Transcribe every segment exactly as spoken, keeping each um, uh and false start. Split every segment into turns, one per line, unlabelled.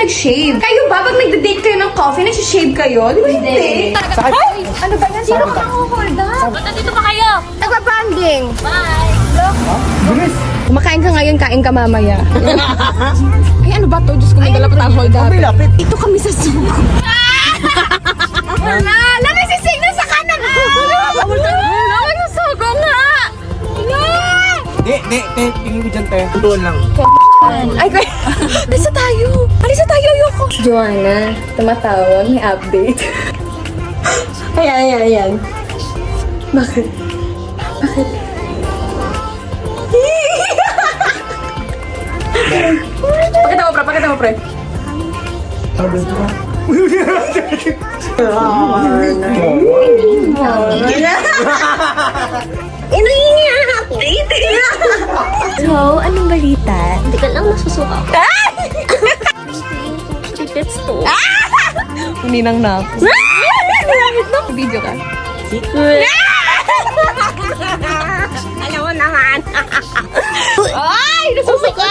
nag-shave? Kayo ba? Pag nagde-date kayo ng coffee, nag-shave kayo? Di ba hindi? Ay! Ano ba yan? Sino ka hold up?
Ba't nandito pa kayo?
Nagbabanding!
Bye!
Bilis!
Kumakain ka ngayon, kain ka mamaya. Ay, ano ba to? Diyos ko, may dala pa tayong hold up.
May lapit.
Ito kami sa suko. Wala! Wala! Nagsisignal sa kanan! Wala! Wala sa suko nga!
Di, di, di. Tingin ko dyan, te. Doon lang.
Ay, kaya... Alisa tayo! Alisa tayo, ayoko! Joanna, tumatawag, may update. Ayan, ayan, ayan. Bakit? Bakit? Pakita mo, pre. Pakita mo, pre.
Sabi ko.
Ini-update! So, anong balita?
Hindi ka lang nasusuka ko. Tripits to.
Ninang na ako. Video ka.
Secret.
Alam mo naman. Ay! Nasusuka!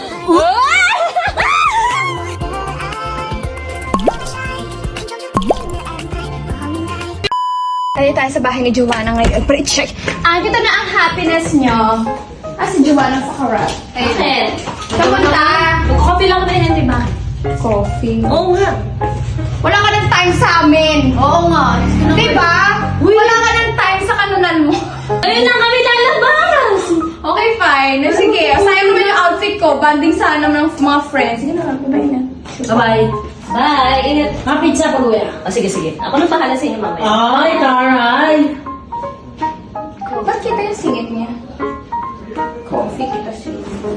Tayo tayo sa bahay ni Joanna ngayon. Pero check. Ah, kita na ang happiness nyo. Ah, si Joanna Fakarap.
Bakit?
Kamunta?
Coffee lang ba yan, di ba?
Coffee.
Oo nga.
Wala ka ng time sa amin.
Oo nga.
Di ba? Wala ka ng time sa kanunan mo.
Ayun na kami lalabas!
Okay, fine. Sige, sayang naman yung outfit ko. Banding sana ng mga friends. Sige na, bye na.
Bye-bye. Bye! Ingat. Mga pizza pag uwi. Ah, sige, sige. Ako na bahala sa inyo mamaya.
Ay, taray!
Ba't kita yung singit niya? Coffee kita siya.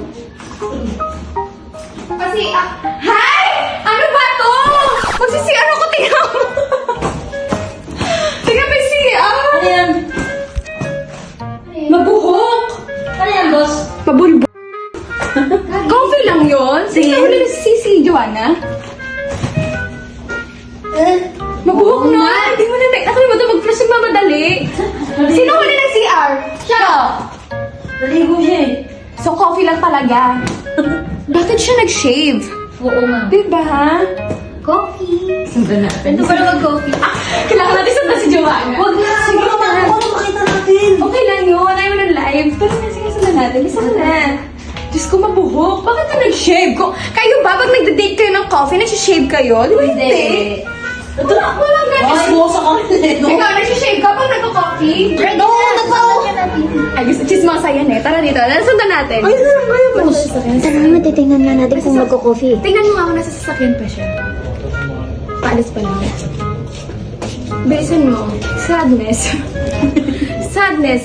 Kasi, ah, hi! Ano ba to? Magsisi-ano ko, tingnan mo. Tingnan mo yung C R.
Ano yan?
Mabuhok.
Ano yan, boss?
Pabulbo. Coffee lang yun. Sige. Tingnan mo na si si Joanna. Mabuhok na. Hindi mo na na. Nakalimutan mag-flush yung mamadali. Sino huli ng C R? Siya.
Naligo siya eh.
So, coffee lang talaga. Bakit siya nag-shave?
Oo nga.
Diba, ha?
Coffee. Sundan natin.
Ito pala mag-coffee. Ah, kailangan natin sundan si Joanna.
Huwag na.
Sige
Huwag na.
na.
Huwag na makita natin.
Okay lang yun. Ayaw mo ng live. Pero na, sige, sundan natin. Bisa ka na. Diyos ko, mabuhok. Bakit ka nag-shave? Ko, kayo ba? Pag nagde-date kayo ng coffee, nag-shave kayo? Di ba hindi?
Ito na.
Wala nga.
Ay, bukas ako.
Ikaw, nag-shave ka pag nagko-coffee?
No, nagpao.
Ay, gusto, chismosa yan eh. Tara dito. Sundan natin. Ay,
Tara naman, titingnan nga natin kung magko-coffee.
tingnan mo nga ako nasa sasakyan pa siya. Paalis pa lang. Bilisan mo. Sadness. Sadness.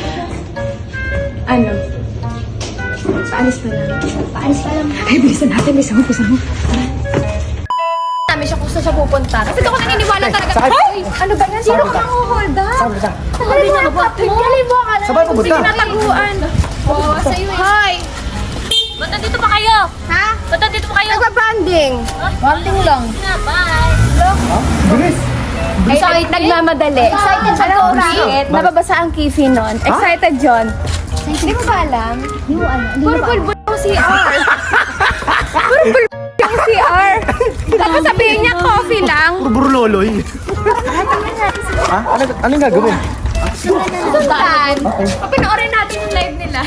Ano? Paalis pa lang. Paalis pa lang. Ay, bilisan natin. Bilisan mo, bilisan mo. Namin siya kung saan siya pupunta. Kasi ako naniniwala talaga.
Sakit.
Ay! Ano ba yan? Sino ka hold up?
Saan, saan?
Sabi na ba? Gali mo ka lang.
Sabay pupunta.
Sige, nataguan. Oo, sa'yo eh. Hi!
Ba't nandito pa kayo?
Ha?
Ba't nandito pa kayo?
Nagbabanding. Banding lang.
Na, bye!
Bilis!
Excited, nagmamadali. Excited siya. Alam mo bakit? Nababasa ang kifi nun. Excited, John. Hindi mo ba alam?
Hindi mo alam.
Puro bulbul ang C R. Puro bulbul ang C R. Tapos sabihin niya, coffee lang.
Puro loloy. Ha? Ano, anong gagawin?
Sundan. Papanoorin natin yung live nila.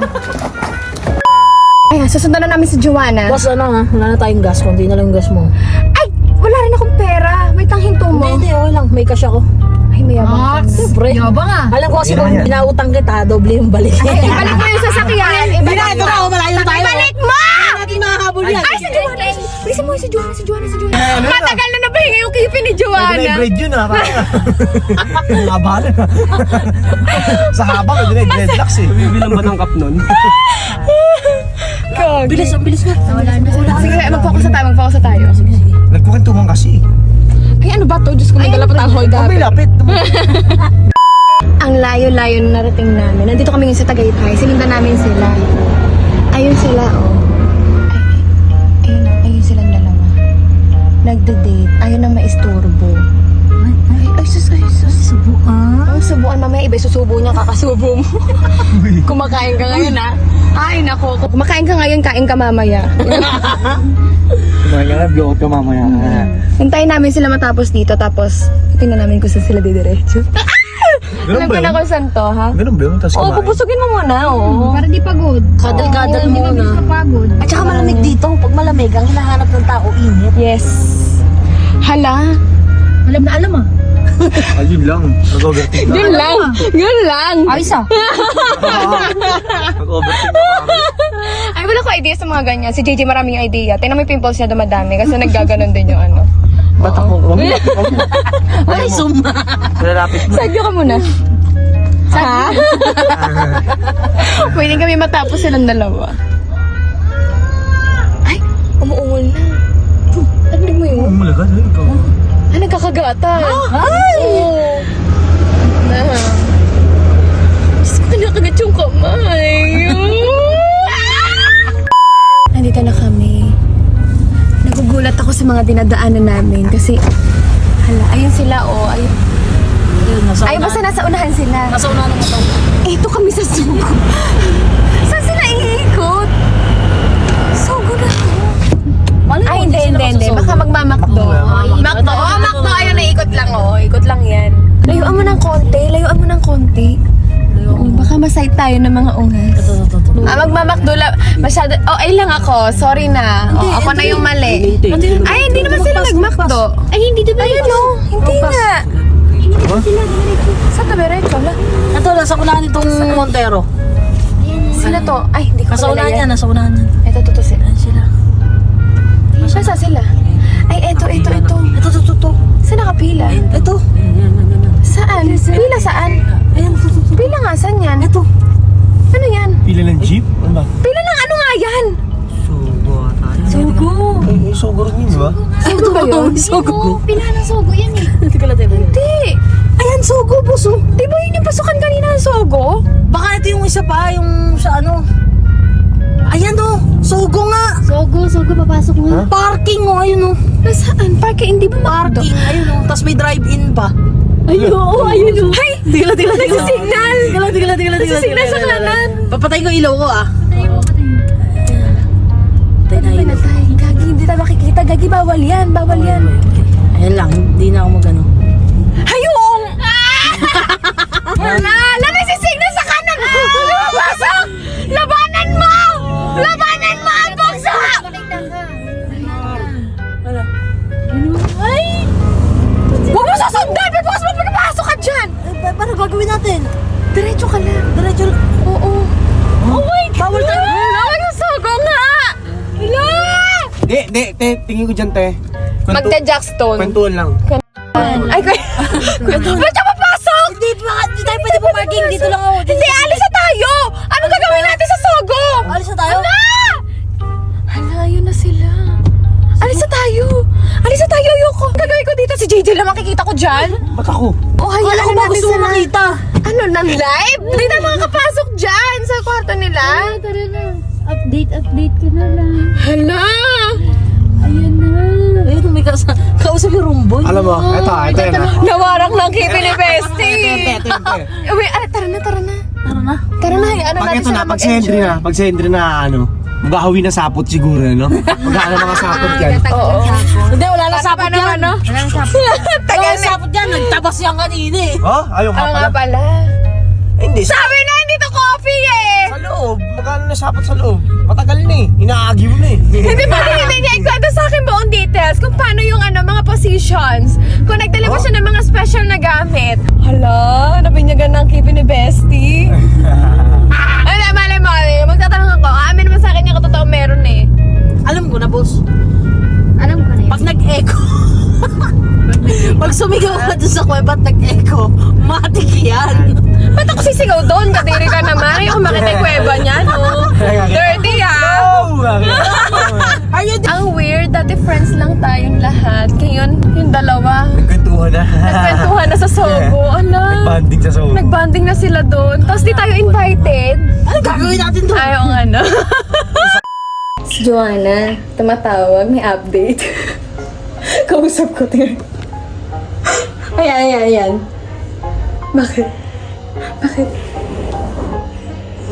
Ayan, susundan na namin si Joanna.
Boss, ano nga? Wala na tayong gas. Kundi na lang yung gas mo.
Ay! Wala rin akong pera. May tanghinto mo.
Hindi, hindi. Okay lang. May cash ako.
Ay, mayabang.
Siyempre.
Yabang ah.
Alam ko kasi kung binautang kita, doble yung balik.
Ay, ibalik mo yung sasakyan.
Hindi na, ito na. oh, Malayo na tayo.
Ibalik mo!
Hindi natin makahabol yan.
Ay, si Joanna! Bilisan mo si Joanna, si Joanna, si Joanna. Matagal na nabahinga yung kipi ni Joanna.
Grade yun ah. Haba na. Sa haba, pwede na dreadlocks eh. Bibilang ba ng cup nun?
Bilis, ang bilis nga.
Wala na. Sige, mag-focus na tayo, mag-focus na tayo.
Nagpukintuman kasi.
Ay, ano ba to? Diyos ko, may dala pa tayong hold up.
May lapit.
Ang layo-layo na narating namin. Nandito kami ngayon sa Tagaytay. Sinundan namin sila. Ayun sila, oh. Ay, ay, ayun, ayun silang dalawa. Nagde-date. Ayaw na maisturbo. Ay, ay, ay, sus, ay, sus. Subuan? Ang subuan, mamaya iba susubo niya, kakasubo mo. Kumakain ka ngayon, ha? Ay, nako. Kumakain ka ngayon, kain ka mamaya.
Mamaya, blow ka mamaya.
Hintayin namin sila matapos dito, tapos tingnan namin kung saan sila didiretso.
Ganun
Alam
ba
ko na
yun?
kung saan to, ha?
Ganun ba yun? Tapos
Oo,
kumain.
pupusugin mo muna, oo.
Para di pagod.
Kadal-kadal mo na.
Kapagod.
At saka malamig dito. Pag malamig, ang hinahanap ng tao, init.
Yes. Hala.
Alam na alam ah.
Ayun lang. Nag-overthink na.
Yun lang. Yun lang.
Ayos ah.
Nag-overthink na kami.
Ay, wala ko idea sa mga ganyan. Si J J maraming idea. Tingnan mo yung pimples niya dumadami kasi naggaganon din yung ano.
Ba't ako? Huwag mo. Huwag mo.
Ay, suma.
Lalapit mo.
Sadyo ka muna. Ha? Pwede kami matapos silang dalawa. Ay, umuungol na. Ano mo yun?
Umulaga na ikaw.
Ah, nagkakagatan. Ay! Oo. Na. Diyos ko, nakagat yung kamay. Nandito na kami. Nagugulat ako sa mga dinadaanan namin kasi, hala, ayun sila, oh. Ayun.
Ayun, nasa
Ay, basta nasa unahan sila.
Nasa unahan ng motor.
Eh, ito kami sa sugo. Saan sila iikot? Sugo na to.
Malay mo,
Ay, hindi,
sila
hindi, hindi.
masusubo.
Baka magmamakdo. Makdo. Oh, makdo. Ayun, naikot lang, oh. Ikot lang yan. Layuan mo ng konti. Layuan mo ng konti. Oh, baka masay tayo ng mga ungas.
Ito, ito, ito.
Ah, magmamakdo lang. Masyado. Oh, ay lang ako. Sorry na. Oh, ako na yung mali. Ay, hindi naman sila nagmakdo. Ay, hindi diba? Ayun, oh. Hindi nga. Sa tabiretso, la.
Ito, nasa unahan itong Montero.
Sila to. Ay, hindi ko
Nasa
kilala
unahan
yan.
yan, nasa unahan yan.
Ito, to, to, sila.
Ayan sila.
Saan sila? Ay, eto, eto, eto.
Ito, ito, ito, ito.
Saan nakapila?
Ito.
Saan? Pila saan?
Ayan, ito, ito, ito.
Pila nga, saan yan?
Ito.
Ano yan?
Pila ng jeep? Ano ba?
Pila ng ano nga yan?
Sugo tayo.
Sugo.
Eh, sugo rin yun, di ba?
Sugo ba yun?
Sugo.
Pila ng sugo yan eh.
Hindi ka lang tayo.
Hindi.
Ayan, sugo, puso.
Di ba yun yung pasukan kanina ng Sogo?
Baka ito yung isa pa, yung sa ano. Ayan o, sugo nga.
Sugo, sugo, papasok nga.
Parking o, ayun o.
Nasaan? Parking, hindi ba makdo?
Parking, ayun o. Tapos may drive-in pa.
Ayun, oo, ayun o. Hay!
Tigla, tigla, tigla.
Nagsisignal!
Tigla, tigla, tigla, tigla.
Nagsisignal sa kanan.
Papatay ko ilaw ko ah.
Tayo, tayo.
Patay na
Ay,
ilaw.
natay. Gagi, hindi tayo makikita. Gagi, bawal yan. Bawal yan.
Ayan lang, hindi na ako magano.
Hayong! Wala! Lamay si signal sa kanan! Lumabasok! Labanan mo! Labanan mo ang buksa!
Wala.
Ay! Huwag mo sasundan! May bukas mo pinapasok ka dyan!
Eh, pa- paano gagawin natin?
Diretso ka lang.
Diretso lang.
Oo. Oh my God!
Bawal tayo.
Bawal yung sugo nga! Hala!
Di, di, te, tingin ko dyan, te. Kwento-
Magda-jackstone.
Kwentuhan lang.
Ay, kuya. Ba't siya papasok?
Hindi pa, hindi tayo pwede pumarking. Dito lang ako.
Hindi, alis na tayo! Ano gagawin natin sa Sogo?
Alis na tayo?
Hala! Hala, yun na sila. Alis na tayo! Alis na tayo, ayoko! Gagawin ko dito, si J J lang makikita ko dyan.
Ba't ako?
Oh, hayaan
Wala ko
na
ba
natin
gusto mo
sila.
makita?
Ano, ng live? Hindi na makakapasok dyan sa kwarto nila.
Ah, tara na. Update, update ka na lang.
Hala!
Ayan na.
Ayun, may kasa- kausap yung rumboy.
Alam mo, eto, eto yun ah.
Nawarak ng kipi ni Bestie.
Ito, ito, ito.
Uy, ah, tara na, tara na.
Tara na.
Tara na, hayaan na
Pag
natin
ito na,
sila
pag si Henry na, pag si Henry na, ano, maghahawi na sapot siguro, no? Maghahawi mga sapot yan.
Oo.
Hindi, wala na sapot
Ano,
yan.
ano?
Wala nang sabi.
Wala
Tagal
na
na.
sapot yan. Nagtabas yan kanina eh.
Oh, ayaw nga
Ano
pala.
nga pala?
Hindi, sa,
Sabi na, hindi to coffee eh!
sa loob. Magkano na sapot sa loob? Matagal na eh. Inaagyo na eh.
Hindi ba hindi niya ikwento sa akin buong details kung paano yung ano, mga positions. Kung nagdala ba siya ng mga special na gamit. Hala, nabinyagan ng kipi ni Bestie. Ano, malay mo, eh, magtatanong ako. Amin naman sa akin yung katotoo meron eh.
Alam ko na, boss.
Alam ko na yun.
Pag nag-echo, pag sumigaw ka dun sa kuweba at nag-echo, matik yan.
Ba't ako sisigaw doon? Kadiri ka naman. Ayoko makita yung kuweba niya, no? Dirty, ha?
Oh!
Are you
Ang weird, dati friends lang tayong lahat. Ngayon, yung dalawa,
Nagkwentuhan na.
nagkwentuhan na sa Sogo. Ano?
Banding sa soul.
Nagbanding na sila doon. Tapos di tayo invited.
Ano gagawin natin doon?
Ayaw nga, no? Si Joanna, tumatawag, may update. Kausap ko, tingnan. Ayan, ayan, ayan. Bakit? Bakit?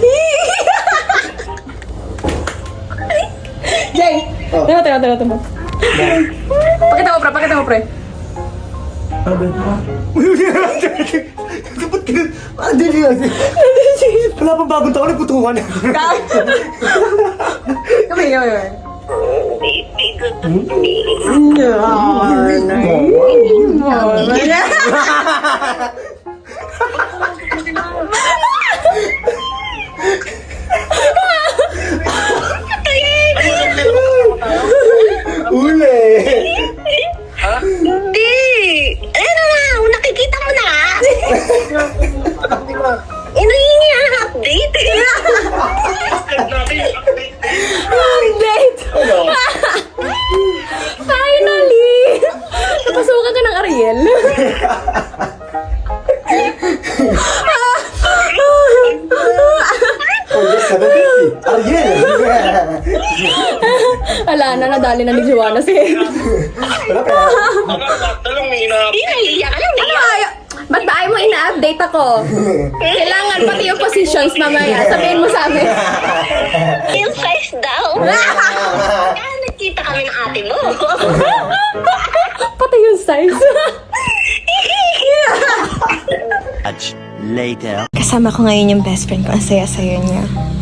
Jay! Tama, tama, tama, tama. Pakita mo, pre. Pakita mo, pre.
Ano ba? Dapat ka... Ah, dili yan. Wala pa bagong taon, nagputungan.
Kami, kami, kami.
Uli!
Hindi! Ano na? Nakikita mo na? Inahingi ang update.
Update! Finally! Napasukan ka ng Ariel.
Oh, yes, seven fifty. Ariel!
Wala na, nadali na ni Joanna si
Wala pa.
Hindi, nahihiya ka lang.
Ano ayaw? Ba't ba ayaw mo ina-update ako? Kailangan pati yung positions mamaya. Sabihin mo sa amin.
Yung size daw. Kaya nagkita kami ng ate mo.
Pati yung size.
Later.
Kasama ko ngayon yung best friend ko. Ang saya-saya niya.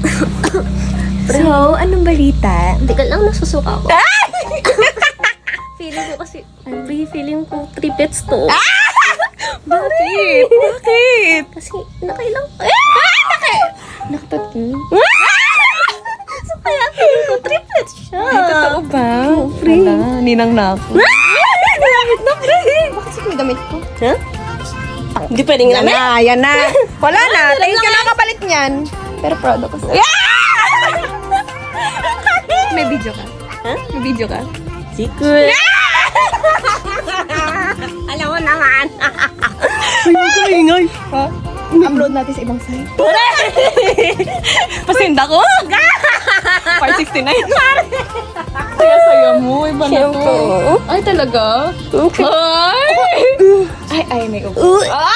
So, anong balita?
Hindi ka lang nasusuka ko. Feeling ko kasi, every feeling ko triplets to.
Bakit? Bakit?
Kasi nakailang,
Nakatatlo.
so kaya feeling ko triplets siya.
Ay, totoo ba? Wala, ninang na ako. Damit na, pre! Bakit sa'yo may damit ko?
Huh? Hindi pwedeng
Yan na, yan na. Wala na, tingin ka na kapalit niyan. Pero proud ako sa'yo. May video ka?
Ha?
May video ka?
Secret. Alam mo naman.
Ingay. Ha? Upload natin sa ibang site. Pasinda ko? five sixty-nine. Saya-saya mo. Iba na to. Ay, talaga? Okay. Ay! Ay, ay, may upo.
Ah!